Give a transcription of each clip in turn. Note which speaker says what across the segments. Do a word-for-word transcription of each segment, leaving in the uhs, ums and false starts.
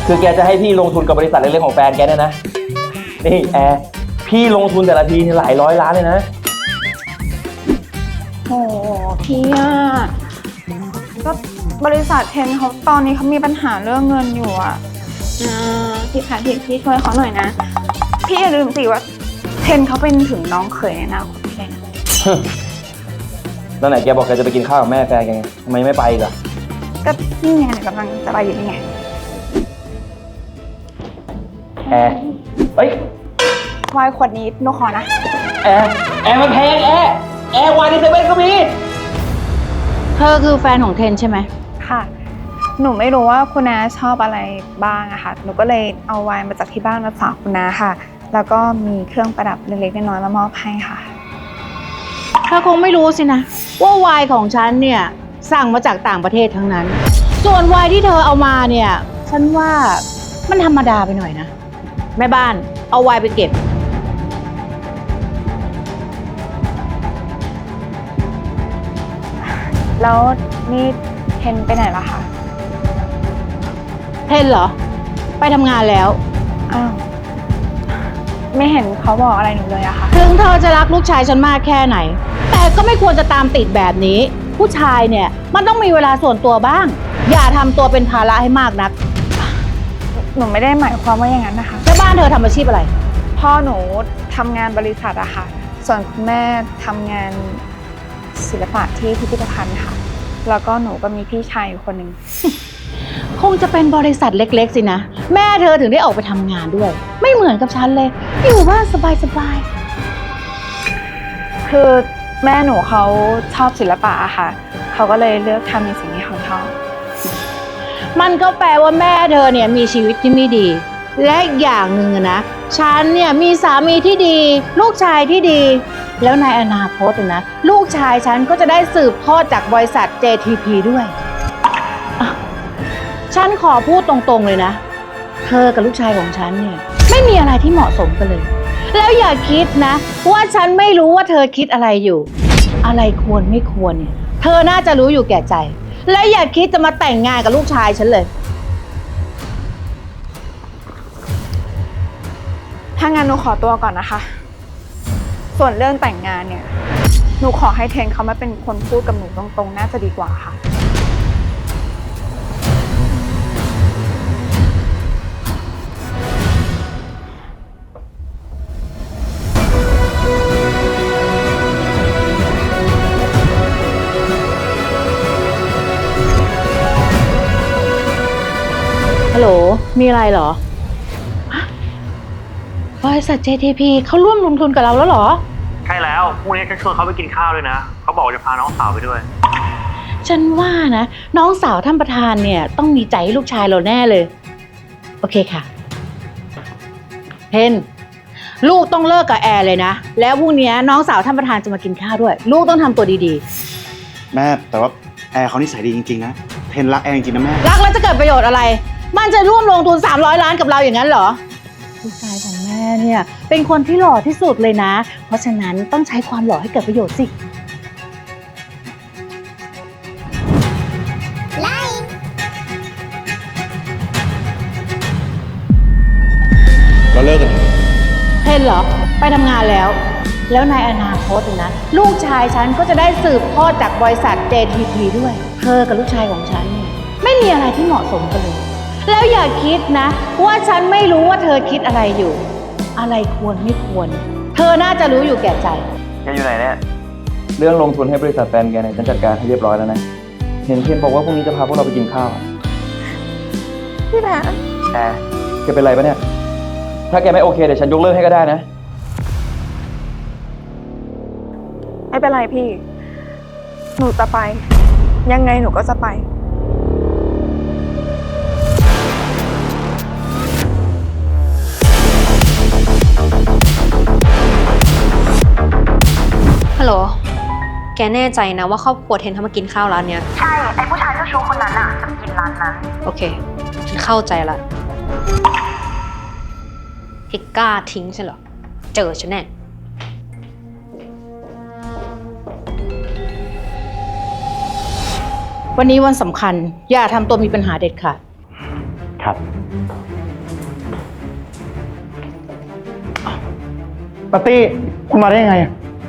Speaker 1: คือแกจะให้พี่ลงทุนกับบริษัทเล็กๆของแฟนแกเนี่ยนะนี่แอร์พี่ลงทุนแต่ละทีหลายร้อยล้านเลยนะ
Speaker 2: โอ้พี่อะก็บริษัทเทนเขาตอนนี้เขามีปัญหาเรื่องเงินอยู่อะอ่าพี่แพทพี่พี่ช่วยเขาหน่อยนะพี่อย่าลืมสิว่าเทนเขาเป็นถึงน้องเขยในอนาคตพี่เลยนะ
Speaker 1: แล้วไหนแกบอกแกจะไปกินข้าวกับแม่แฟนแกไงทำไมไม่ไปอีกอะ
Speaker 2: ก็นี่ไงเดี๋ยวกำลังจะไปอยู่นี่ไง
Speaker 1: แอร์เฮ้ยว
Speaker 2: ายขวดนี้หนูขอนะ
Speaker 1: แอร์แอร์มันแพงแอร์แอร์วายในเซเว่นก็มี
Speaker 3: เธอคือแฟนของเทนใช่ไหม
Speaker 2: ค่ะหนูไม่รู้ว่าคุณน้าชอบอะไรบ้างอะค่ะหนูก็เลยเอาไวน์มาจากที่บ้านมาฝากคุณน้าค่ะแล้วก็มีเครื่องประดับเล็กๆน้อยๆมามอบให้ค่ะ
Speaker 3: เธอคงไม่รู้สินะว่าไวน์ของฉันเนี่ยสั่งมาจากต่างประเทศทั้งนั้น ส่วนไวน์ที่เธอเอามาเนี่ยฉันว่ามันธรรมดาไปหน่อยนะแม่บ้านเอาไวน์ไปเก็บ
Speaker 2: แล้วนี่เทนไปไหนล่ะคะ
Speaker 3: เทนเหรอไปทำงานแล้ว
Speaker 2: อ้าวไม่เห็นเขาบอกอะไรหนูเลยอะค่ะ
Speaker 3: ถึงเธอจะรักลูกชายฉันมากแค่ไหนแต่ก็ไม่ควรจะตามติดแบบนี้ผู้ชายเนี่ยมันต้องมีเวลาส่วนตัวบ้างอย่าทำตัวเป็นภาระให้มากนัก
Speaker 2: หนูไม่ได้หมายความว่าอย่างนั้นนะคะ
Speaker 3: แล้วบ้านเธอทำอาชีพอะไร
Speaker 2: พ่อหนูทำงานบริษัทอะค่ะส่วนคุณแม่ทำงานศิลปะที่พิพิธภัณฑ์ค่ะแล้วก็หนูก็มีพี่ชายอยู่คนหนึ่ง
Speaker 3: คงจะเป็นบริษัทเล็กๆสินะแม่เธอถึงได้ออกไปทำงานด้วยไม่เหมือนกับฉันเลยอยู่บ้านสบาย
Speaker 2: ๆคือแม่หนูเขาชอบศิลปะอะค่ะเขาก็เลยเลือกทำในสิ่งที่เขาชอบ
Speaker 3: มันก็แปลว่าแม่เธอเนี่ยมีชีวิตที่ไม่ดีและอย่างหนึ่งนะฉันเนี่ยมีสามีที่ดีลูกชายที่ดีแล้วในอนาคตนะลูกชายฉันก็จะได้สืบทอดจากบริษัท เจ ที พี ด้วยฉันขอพูดตรงๆเลยนะเธอกับลูกชายของฉันเนี่ยไม่มีอะไรที่เหมาะสมกันเลยแล้วอย่าคิดนะว่าฉันไม่รู้ว่าเธอคิดอะไรอยู่อะไรควรไม่ควรเนี่ยเธอน่าจะรู้อยู่แก่ใจและอย่าคิดจะมาแต่งงานกับลูกชายฉันเลย
Speaker 2: ถ้างั้นหนูขอตัวก่อนนะคะส่วนเรื่องแต่งงานเนี่ยหนูขอให้เทนเขามาเป็นคนพูดกับหนูตรงๆน่าจะดีกว่าค่ะ
Speaker 3: ฮัลโหลมีอะไรเหรอบริษัท เจ ที พี เขาร่วมลงทุนกับเราแล้วเหรอ
Speaker 4: ใช่แล้วพรุ่งนี้จะชวนเขาไปกินข้าวด้วยนะเขาบอกจะพาน้องสาวไปด้วย
Speaker 3: ฉันว่านะน้องสาวท่านประธานเนี่ยต้องมีใจให้ลูกชายเราแน่เลยโอเคค่ะเพนลูกต้องเลิกกับแอร์เลยนะแล้วพรุ่งนี้น้องสาวท่านประธานจะมากินข้าวด้วยลูกต้องทำตัวดี
Speaker 5: ๆแม่แต่ว่าแอร์เขานิสัยดีจริงๆนะเพนรักแอร์จริงๆนะแม่
Speaker 3: รักแล้วจะเกิดประโยชน์อะไรมันจะร่วมลงทุนสามร้อยล้านกับเราอย่างนั้นเหรอลูกชายของแม่เนี่ยเป็นคนที่หล่อที่สุดเลยนะเพราะฉะนั้นต้องใช้ความหล่อให้เกิดประโยชน์สิ
Speaker 5: เราเลิกกัน
Speaker 3: เพนเหรอไปทำงานแล้วแล้วในอนาคตนะลูกชายฉันก็จะได้สืบทอดจากบริษัท เจ ที พี ด้วยเธอกับลูกชายของฉันเนี่ยไม่มีอะไรที่เหมาะสมกันเลยแล้วอย่าคิดนะว่าฉันไม่รู้ว่าเธอคิดอะไรอยู่อะไรควรไม่ควรเธอน่าจะรู้อยู่แก่ใจ
Speaker 1: แกอยู่ไหนเนี่ยเรื่องลงทุนให้บริษัทแฟนแกเนี่ยฉันจัดการให้เรียบร้อยแล้วนะเห็นเทนบอกว่าพรุ่งนี้จะพาพวกเราไปกินข้าว
Speaker 2: พี่แพท
Speaker 1: แอร์แกเป็นไรปะเนี่ยถ้าแกไม่โอเคเดี๋ยวฉันยกเลิกให้ก็ได้นะ
Speaker 2: ไม่เป็นไรพี่หนูจะไปยังไงหนูก็จะไป
Speaker 6: ฮัลโหลแกแน่ใจนะว่าครอบครัวเทนเขามากินข้าวร้านเนี้ย
Speaker 7: ใช่ไอ้ผู้ชายเจ้าชู้คนนั้นอะจะมากินร้านนั้น
Speaker 6: โอเคฉันเข้าใจละที่กล้าทิ้งใช่เหรอเจอฉันแน่
Speaker 3: วันนี้วันสำคัญอย่าทำตัวมีปัญหาเด็ดขาด
Speaker 7: เธ
Speaker 5: ครับ ปาร์ตี้คุณมาได้ยังไงอะ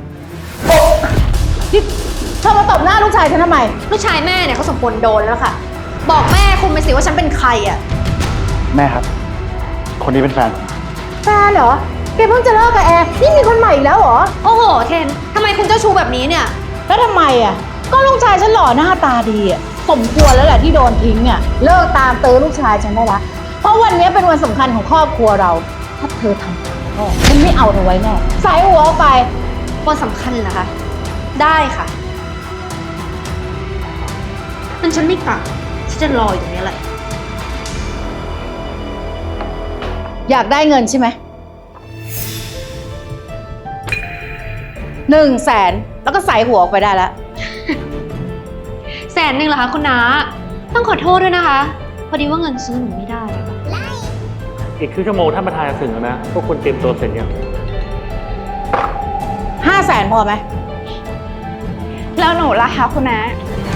Speaker 3: นี่เธอมาตบหน้าลูกชายฉันทำไม
Speaker 6: ลูกชายแม่เนี่ยเขาสมควรโดนแล้วค่ะ บอกแม่คุณไปสิว่าฉันเป็นใครอ่ะ
Speaker 5: แม่ครับ คนนี้เป็นแฟนผม
Speaker 3: แฟนเหรอ แกเพิ่งจะเลิกกับแอร์นี่มีคนใหม่อีกแล้วเหรอ
Speaker 6: โอ้โห เทนทำไมคุณเจ้าชู้แบบนี้เนี่ย
Speaker 3: แล้วทำไมอ่ะ ก็ลูกชายฉันหล่อหน้าตาดีอ่ะ สมควรแล้วแหละที่โดนทิ้งอ่ะ เลิกตามตื้อลูกชายฉันได้ละ เพราะวันนี้เป็นวันสำคัญของครอบครัวเรา ถ้าเธอทำผิดพ่อฉันไม่เอาเธอไว้แน่สายหัวออกไป
Speaker 6: คนสำคัญเหรอคะ ได้ค่ะมันฉันไม่กลับฉันจะรออยู่ตรงนี้แหละ
Speaker 3: อยากได้เงินใช่ไหมหนึ่งแสนแล้วก็ใส่หัวออกไปได้แล้ว
Speaker 6: แสนหนึ่งเหรอคะคุณน้า ต้องขอโทษด้วยนะคะ พอดีว่าเงินซื้อหนูไม่ได้อะ
Speaker 4: อีกครึ่งชั่วโมงท่านประธานจะถึงแล้วนะ พวกคุณเตรียมตัวเสร็จยัง
Speaker 3: ห้าแสนพอไหม
Speaker 2: แล้วหนูล่ะคะคุณน้า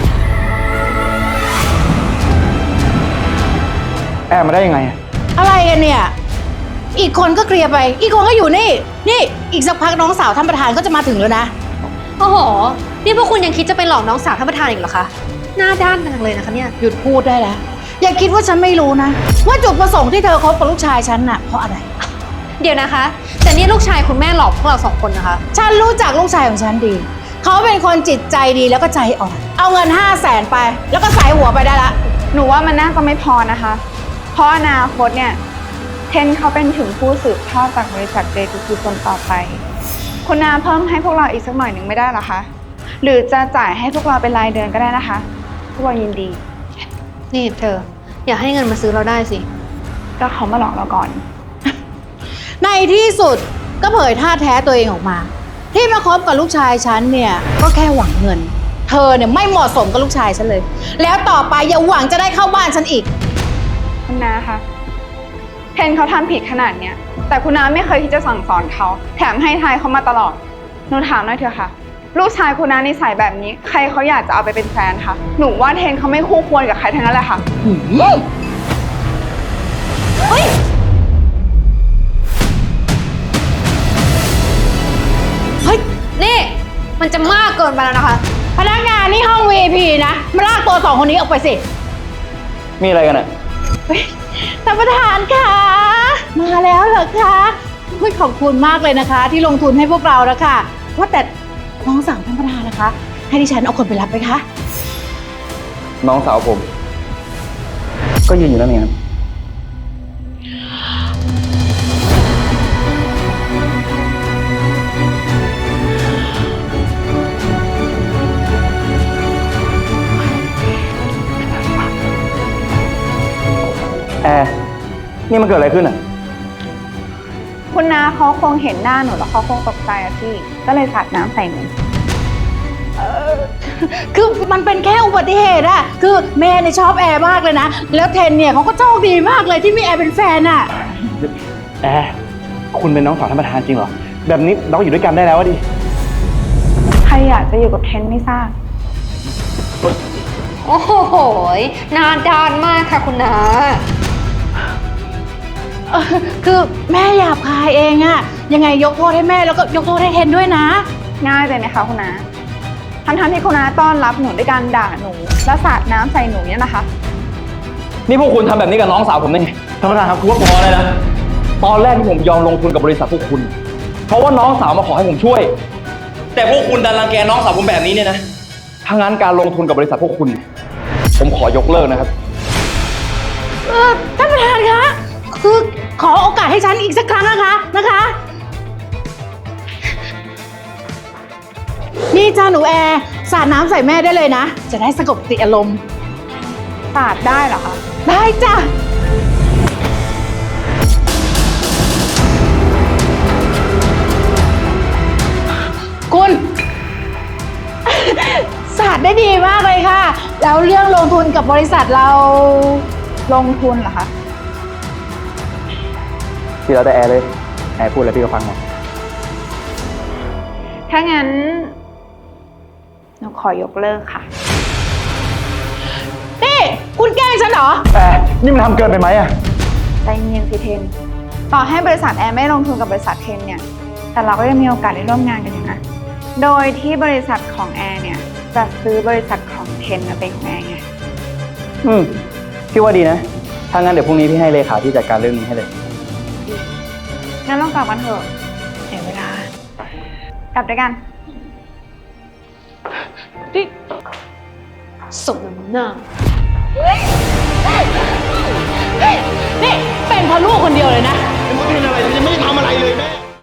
Speaker 5: แอบมาได้ยังไงอะ
Speaker 3: อะไรกันเนี่ย อีกคนก็เคลียร์ไป อีกคนก็อยู่นี่ นี่อีกสักพักน้องสาวท่านประธานก็จะมาถึงแล้วนะ
Speaker 6: โอ้โห นี่พวกคุณยังคิดจะไปหลอกน้องสาวท่านประธานอีกเหรอคะ หน้าด้านจังเลยนะคะเนี่ย
Speaker 3: หยุดพูดได้แล้ว อย่าคิดว่าฉันไม่รู้นะ ว่าจุดประสงค์ที่เธอคบกับลูกชายฉันน่ะเพราะอะไร
Speaker 6: เดี๋ยวนะคะ แต่นี่ลูกชายคุณแม่หลอกพวกเราสองคนนะคะ
Speaker 3: ฉันรู้จักลูกชายของฉันดี เขาเป็นคนจิตใจดีแล้วก็ใจอ่อน เอาเงินห้าแสนไป แล้วก็ใส่หัวไปได้ละ
Speaker 2: หนูว่ามันน่าจะไม่พอนะคะ เพราะอนาคตเนี่ย เทนเขาเป็นถึงผู้สืบทอดจากบริษัทเจทูทีคนต่อไป คุณนาเพิ่มให้พวกเราอีกสักหน่อยหนึ่งไม่ได้หรอคะ หรือจะจ่ายให้พวกเราเป็นรายเดือนก็ได้นะคะ พวกเรายินดี
Speaker 6: นี่เธอ อย่าให้เงินมาซื้อเราได้สิ
Speaker 2: ก็เขามาหลอกเราก่อน
Speaker 3: ในที่สุดก็เผยท่าแท้ตัวเองออกมา ที่มาคบกับลูกชายฉันเนี่ยก็แค่หวังเงิน เธอเนี่ยไม่เหมาะสมกับลูกชายฉันเลย แล้วต่อไปอย่าหวังจะได้เข้าบ้านฉันอีก
Speaker 2: คุณนาคะเทนเขาทำผิดขนาดเนี้ย แต่คุณนาไม่เคยที่จะสั่งสอนเขา แถมให้ทายเขามาตลอด หนูถามหน่อยเถอะค่ะ ลูกชายคุณนานิสัยแบบนี้ ใครเขาอยากจะเอาไปเป็นแฟนคะ หนูว่าเทนเขาไม่คู่ควรกับใครทั้งนั้นแหละค่ะ
Speaker 3: เฮ้ย
Speaker 6: นี่ มันจะมากเกินไปแล้วนะคะ
Speaker 3: พนักงานนี่ห้อง วี ไอ พี นะ มาลากตัวสองคนนี้ออกไปสิ
Speaker 1: มีอะไรกันอะ
Speaker 3: ท่านประธานคะมาแล้วเหรอคะอุ๊ยขอบคุณมากเลยนะคะ ที่ลงทุนให้พวกเรานะคะว่าแต่น้องสาวท่านประธานนะคะ ให้ดิฉันเอาคนไปรับไหมคะ
Speaker 1: น้องสาวผม ก็ยืนอยู่นั่นเองครับ แอร์นี่มันเกิดอะไรขึ้นอ่ะ
Speaker 2: คุณนาเขาคงเห็นหน้าหนูแล้วเขาคงตกใจอะพี่ ก็เลยสาดน้ำใส่หนู
Speaker 3: คือมันเป็นแค่อุบัติเหตุอะคือแม่เนี่ยชอบแอร์มากเลยนะ แล้วเทนเนี่ยเขาก็โชคดีมากเลยที่มีแอร์เป็นแฟนอะ
Speaker 5: แอร์คุณเป็นน้องสาวท่านประธานจริงเหรอ แบบนี้เราอยู่ด้วยกันได้แล้วอะดิ
Speaker 2: ใครอยากจะอยู่กับเทนไม่ทราบ
Speaker 6: โอ้โหหน้าด้านมากค่ะคุณน้า
Speaker 3: เออคือแม่หยาบคายเองอะยังไงยกโทษให้แม่แล้วก็ยกโทษให้เทนด้วยนะ
Speaker 2: ง่ายไปไหมคะคุณนาทั้งๆที่คุณนาต้อนรับหนูด้วยการด่าหนู แล้วสาดน้ำใส่หนูเนี่ยนะคะ
Speaker 1: นี่พวกคุณทำแบบนี้กับน้องสาวผมได้ไง
Speaker 5: ท่านประธานครับ
Speaker 1: กูว่าพอเลยนะ ตอนแรกที่ผมยอมลงทุนกับบริษัทพวกคุณ เพราะว่าน้องสาวมาขอให้ผมช่วย แต่พวกคุณดันรังแกน้องสาวผมแบบนี้เนี่ยนะถ้างั้นการลงทุนกับบริษัทพวกคุณ ผมขอยกเลิกนะครับ
Speaker 3: เออท่านประธานคะคือขอโอกาสให้ฉันอีกสักครั้งนะคะนะคะ นี่จ้าหนูแอร์สาดน้ำใส่แม่ได้เลยนะ จะได้สงบสติอารมณ์
Speaker 2: สาดได้เหรอคะ
Speaker 3: ได้จ้ะคุณ สาดได้ดีมากเลยค่ะ แล้วเรื่องลงทุนกับบริษัทเรา
Speaker 2: ลงทุนเหรอคะ
Speaker 1: ที่เราแต่แอร์เลย แอร์พูดอะไรพี่ก็ฟังหมด
Speaker 2: ถ้างั้น หนูขอยกเลิกค่ะ
Speaker 3: นี่ คุณคุณแกล้งฉันเหรอ
Speaker 5: แอร์นี่มันทำเกินไปไหมอะ
Speaker 2: ใจเย็นสิเทน ต่อให้บริษัทแอร์ไม่ลงทุนกับบริษัทเทนเนี่ย แต่เราก็ยังมีโอกาสได้ร่วมงานกันอยู่นะ โดยที่บริษัทของแอร์เนี่ยจะซื้อบริษัทของเทนมาเป็นของแอร์ไง
Speaker 1: อืม พี่ว่าดีนะ ถ้างั้นเดี๋ยวพรุ่งนี้พี่ให้เลขาที่จัดการเรื่องนี้ให้เลย
Speaker 2: งั้นเรากลับกันเถอะเสียเวลา กลับด้วยกัน
Speaker 6: สมน้ำหน้า
Speaker 3: นี่เป็นเพราะลูกคนเดียวเลยนะ
Speaker 5: เป็นอะไรยังไม่ได้ทำอะไรเลยแม่